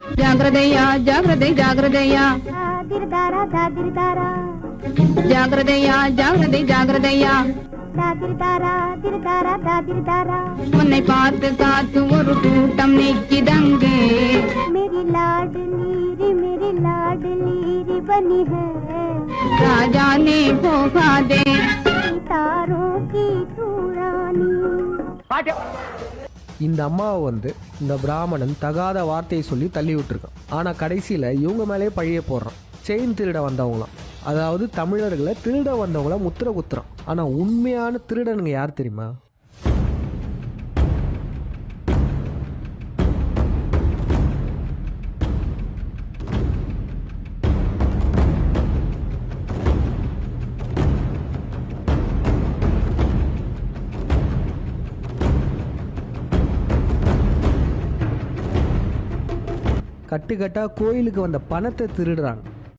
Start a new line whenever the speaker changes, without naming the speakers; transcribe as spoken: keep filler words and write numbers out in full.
ಜಾಗ್ರತೆಯ ಜಾಗ್ರತೆ ಜಾಗ್ರತೆಯ
ದಿರ್ದಾರ ದಾದಿರ್ದಾರ
ಜಾಗ್ರತೆಯ ಜಾಗ್ರತೆ ಜಾಗ್ರತೆಯ
ದಾದಿರ್ದಾರ ದಿರ್ದಾರ ದಾದಿರ್ದಾರ
உன்னை பார்த்து காத்து ஒரு கூட்டம் நிக்கிதங்கே
मेरी लाडली रे मेरी लाडली रे बनी है
राजा ने भोगा दे
तारों की तू रानी।
இந்த அம்மாவை வந்து இந்த பிராமணன் தகாத வார்த்தையை சொல்லி தள்ளி விட்டுருக்கான். ஆனால் கடைசியில் இவங்க மேலே பழிய போடுறான். செயின் திருட வந்தவங்களாம், அதாவது தமிழர்களை திருட வந்தவங்கள முத்திர குத்துறான். ஆனால் உண்மையான திருடனுங்க யார் தெரியுமா? கட்டுக்கட்டா கோயிலுக்கு வந்த பணத்தை திருடுறாங்க.